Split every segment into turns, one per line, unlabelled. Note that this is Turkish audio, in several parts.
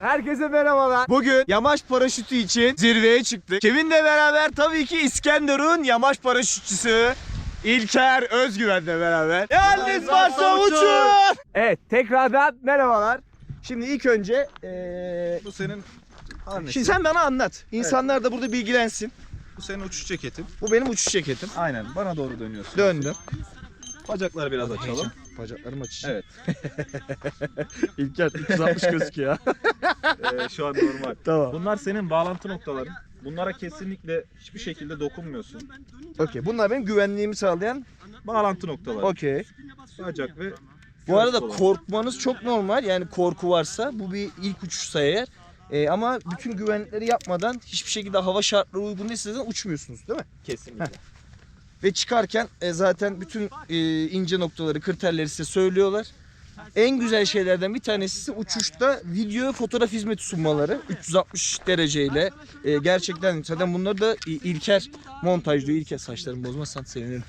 Herkese merhabalar. Bugün yamaç paraşütü için zirveye çıktık. Kevin'le beraber tabii ki İskenderun yamaç paraşütçüsü İlker Özgüven'le beraber. Yalnız varsa uçun. Evet, tekrardan merhabalar. Şimdi ilk önce
Bu senin harnesin.
şimdi sen bana anlat. İnsanlar da burada bilgilensin.
Bu senin uçuş ceketin.
Bu benim uçuş ceketim.
Aynen. Bana doğru dönüyorsun.
Döndüm.
Bacakları biraz açalım.
Bacaklarımı açacağım.
Evet.
İlker 360 gözüküyor.
Şu an normal.
Tamam.
Bunlar senin bağlantı noktaların. Bunlara kesinlikle hiçbir şekilde dokunmuyorsun.
Okey. Bunlar benim güvenliğimi sağlayan.
Bağlantı noktaları.
Okey.
Bacak ve
Bu arada
göğüs kolu.
korkmanız çok normal. Yani korku varsa bu bir ilk uçuşsa eğer. Ama bütün güvenlikleri yapmadan hiçbir şekilde hava şartları uygun değilse zaten uçmuyorsunuz değil mi?
Kesinlikle.
Ve çıkarken zaten bütün ince noktaları, kriterleri size söylüyorlar. En güzel şeylerden bir tanesi ise uçuşta video ve fotoğraf hizmeti sunmaları. 360 dereceyle gerçekten zaten bunları da İlker montajlıyor. İlker, saçlarımı bozmazsan sevinirim.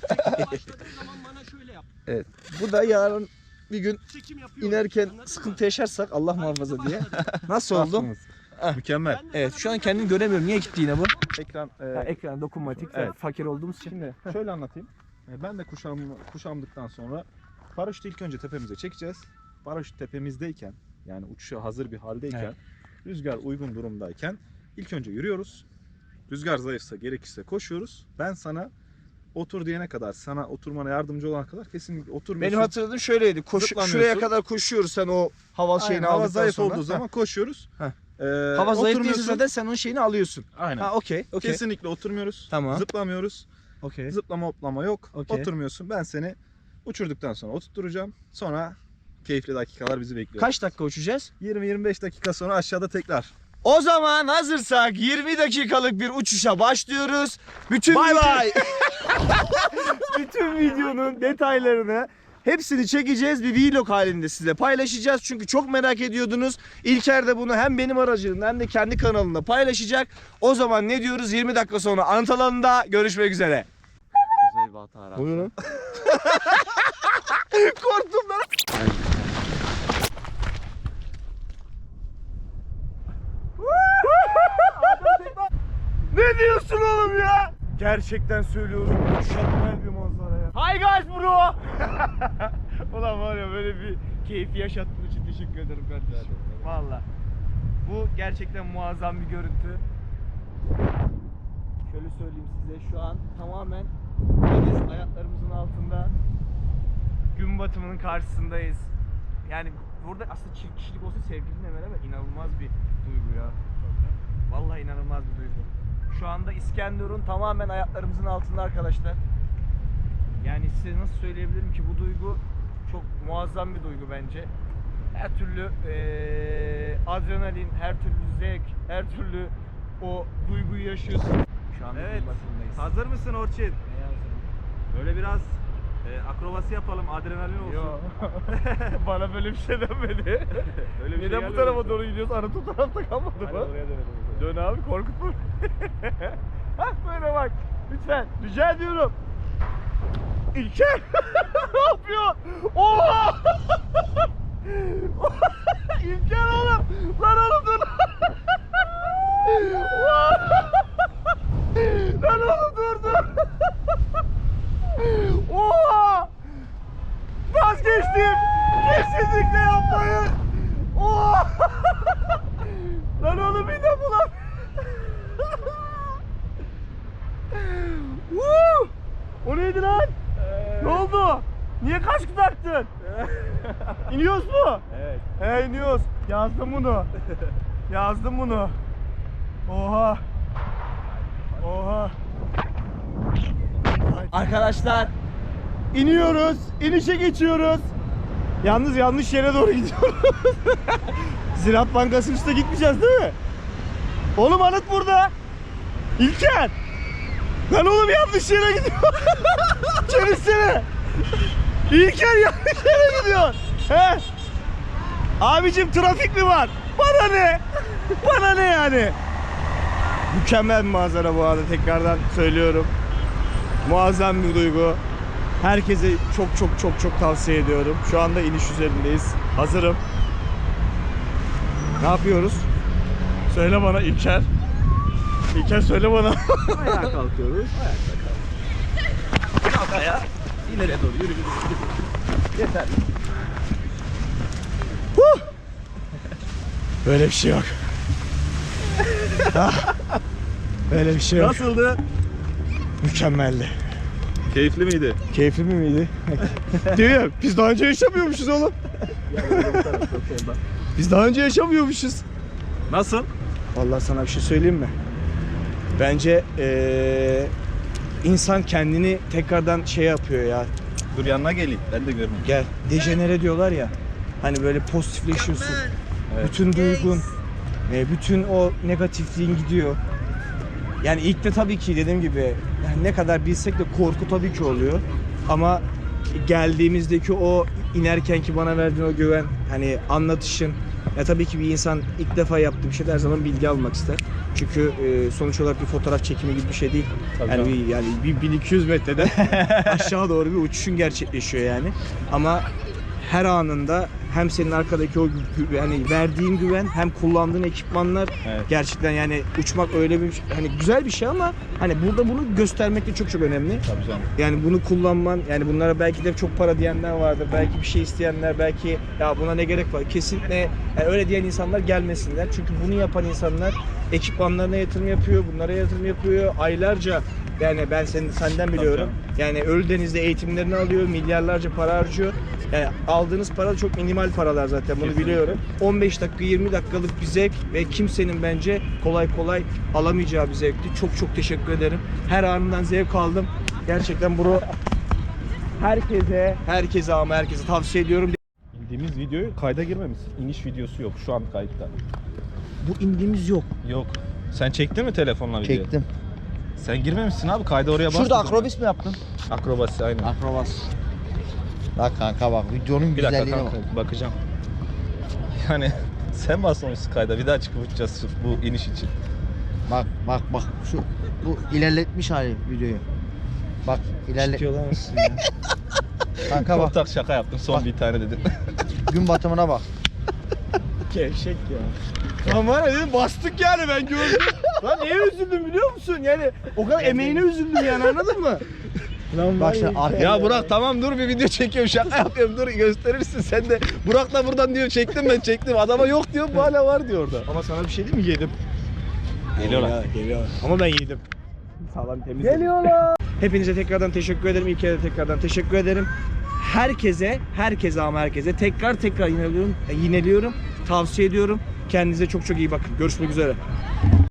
Evet. Bu da yarın bir gün inerken sıkıntı yaşarsak Allah muhafaza diye. Nasıl oldu?
Mükemmel.
Evet, şu an kendimi göremiyorum. Niye gitti yine bu?
Ekran.
Ekran dokunmatik.
Evet.
Fakir olduğumuz için.
Şimdi şöyle anlatayım. Ben de kuşandıktan sonra paraşütü ilk önce tepemize çekeceğiz. Paraşüt tepemizdeyken, yani uçuşa hazır bir haldeyken,
Evet.
rüzgar uygun durumdayken ilk önce yürüyoruz. Rüzgar zayıfsa gerekirse koşuyoruz. Ben sana otur diyene kadar, sana oturmana yardımcı olana kadar kesinlikle oturmuyorsun.
Benim hatırladığım şöyleydi.
Zıplamıyorsun.
Şuraya kadar koşuyoruz sen o hava
Aynen,
şeyini
hava
aldıktan
zayıf
sonra.
olduğu zaman koşuyoruz.
Heh. Hava zayıf değilse
oturmuyorsun.
zaten sen onun şeyini alıyorsun.
Aynen.
Ha, okey.
Kesinlikle oturmuyoruz.
Tamam.
Zıplamıyoruz.
Okey.
Zıplama hoplama yok.
Okey.
Oturmuyorsun. Ben seni uçurduktan sonra oturtturacağım. Sonra keyifli dakikalar bizi bekliyor.
Kaç dakika uçacağız?
20-25 dakika sonra aşağıda tekrar.
O zaman hazırsak 20 dakikalık bir uçuşa başlıyoruz. Bütün
Bay bay.
bütün videonun detaylarını hepsini çekeceğiz. Bir vlog halinde size paylaşacağız. Çünkü çok merak ediyordunuz. İlker de bunu hem benim aracılığımda hem de kendi kanalında paylaşacak. O zaman ne diyoruz? 20 dakika sonra anıt alanında görüşmek üzere.
Kuzeybatı Arap.
Buyurun. Korktum lan. Ne diyorsun oğlum ya? Gerçekten söylüyorum, mükemmel bir manzara ya. Hi guys bro. Ulan var ya, böyle bir keyfi yaşattığın için teşekkür ederim kardeşim. Valla. Bu gerçekten muazzam bir görüntü. Şöyle söyleyeyim size, şu an tamamen deniz ayaklarımızın altında. Gün batımının karşısındayız. Yani burada aslında çift kişilik olsa sevgilinle beraber inanılmaz bir duygu ya. Vallahi inanılmaz bir duygu. Şu anda İskenderun tamamen ayaklarımızın altında arkadaşlar. Yani size nasıl söyleyebilirim ki, bu duygu çok muazzam bir duygu bence. Her türlü adrenalin, her türlü zevk, her türlü o duyguyu yaşıyorsun. Şu anda
Evet.
gün batımındayız.
Hazır mısın Orçin?
Neye hazırım?
Böyle biraz akrobasi yapalım, adrenalin olsun.
Yo. Bana böyle bir şey denmedi.
Öyle bir şey
Neden bu
gelmedi
tarafa
sana.
doğru gidiyoruz? Anıt o tarafta kalmadı
Hadi
mı?
oraya dönelim.
Dön abi, korkutma. Hah, böyle bak. Lütfen. Rica ediyorum. İlker. Ne yapıyor? Oha! İlker oğlum. Lan oğlum dur. Lan oğlum dur. Oha! Vazgeçtim. Kesinlikle yapmayın. Oha! Lan oğlum bir de bu lan. Woo! O neydi lan? Ne oldu? Niye kaşkı taktın? İniyoruz mu?
Evet.
He, iniyoruz. Yazdım bunu. Yazdım bunu. Oha. Oha. Arkadaşlar, iniyoruz. İnişe geçiyoruz. Yalnız yanlış yere doğru gidiyoruz. Ziraat Bankası üstüne gitmeyeceğiz değil mi? Oğlum anıt burada. İlker. Lan oğlum yanlış yere gidiyor. Çevirsene. İlker yanlış yere gidiyor. He? Abicim, trafik mi var? Bana ne? Bana ne yani? Mükemmel bir manzara bu arada, tekrardan söylüyorum. Muazzam bir duygu. Herkese çok tavsiye ediyorum. Şu anda iniş üzerindeyiz. Hazırım. Ne yapıyoruz? Söyle bana İlker. İlker söyle bana.
Ayağa kalkıyoruz. Ayakta kal. Kalk ayağa. İleriye doğru yürü. Yeter.
Böyle bir şey yok. Ah, böyle bir şey yok.
Nasıldı?
Mükemmeldi.
Keyifli miydi?
Keyifli miydi? Diyor ya, biz daha önce yaşamıyormuşuz oğlum. Biz daha önce yaşamıyormuşuz.
Nasıl?
Vallahi sana bir şey söyleyeyim mi? Bence insan kendini tekrardan şey yapıyor ya.
Dur yanına geleyim. Ben de görmeyeyim.
Gel. Dejenere diyorlar ya. Hani böyle pozitifleşiyorsun.
Evet.
Bütün duygun, bütün o negatifliğin gidiyor. Yani ilk de tabii ki dediğim gibi yani ne kadar bilsek de korku tabii ki oluyor. Ama geldiğimizdeki o inerkenki bana verdiğin o güven, hani anlatışın, ya tabii ki bir insan ilk defa yaptığı bir şeyde her zaman bilgi almak ister. Çünkü sonuç olarak bir fotoğraf çekimi gibi bir şey değil.
Tabii
Yani
canım.
bir 1200 metreden aşağı doğru bir uçuşun gerçekleşiyor yani. Ama her anında hem senin arkadaki o hani verdiğin güven hem kullandığın ekipmanlar
Evet.
gerçekten yani uçmak öyle bir hani güzel bir şey ama hani burada bunu göstermek de çok çok önemli.
Tabii canım.
Yani bunu kullanman, yani bunlara belki de çok para diyenler vardır. Belki bir şey isteyenler, belki ya buna ne gerek var? Kesinlikle yani öyle diyen insanlar gelmesinler. Çünkü bunu yapan insanlar ekipmanlarına yatırım yapıyor, bunlara yatırım yapıyor. Aylarca yani ben senden biliyorum. Yani Ölüdeniz'de eğitimlerini alıyor, milyarlarca para harcıyor. Yani aldığınız para çok minimal paralar zaten, bunu
Kesinlikle.
biliyorum. 15 dakika 20 dakikalık bir zevk ve kimsenin bence kolay kolay alamayacağı bir zevkti. Çok çok teşekkür ederim. Her anından zevk aldım. Gerçekten bunu herkese ama herkese tavsiye ediyorum.
İndiğimiz videoyu kayda girmemişsin. İniş videosu yok şu an kayıtta.
Bu indiğimiz yok.
Yok. Sen çektin mi telefonla videoyu?
Çektim.
Sen girmemişsin abi. Kayda oraya bas.
Şurada
dedim
akrobis mi yaptın?
ben. Akrobasi aynen.
Akrobas. Bak kanka bak videonun
Bir dakika
güzelliğine
kanka
bak.
bakacağım. Yani sen basmamışsın kayda. Bir daha çıkıp uçacağız sırf bu iniş için.
Bak şu bu ilerletmiş hali videoyu. Bak ilerle.
Diyorlar mısın ya?
Kanka bak
Ortak şaka yaptım. Son
Bak.
bir tane dedim.
gün batımına bak.
Gevşek ya. Lan var ya dedim, bastık yani, ben gördüm. Lan neye üzüldüm biliyor musun? Yani o kadar emeğine üzüldüm yani, anladın mı? Lan
Bak şimdi arkaya.
Ya Burak tamam dur bir video çekiyorum şaka yapıyorum dur gösterirsin sen de. Burak'la buradan diyor çektim ben çektim. Adama yok diyor bu hala var diyor orada.
Ama sana bir şey diyeyim mi? Yedim.
Geliyorlar.
Geliyorlar. Ama ben yedim. Sağlam temiz. Geliyorlar. Hepinize tekrardan teşekkür ederim. İlk kere tekrardan teşekkür ederim. Herkese ama herkese tekrar yineliyorum. Tavsiye ediyorum. Kendinize çok çok iyi bakın. Görüşmek üzere.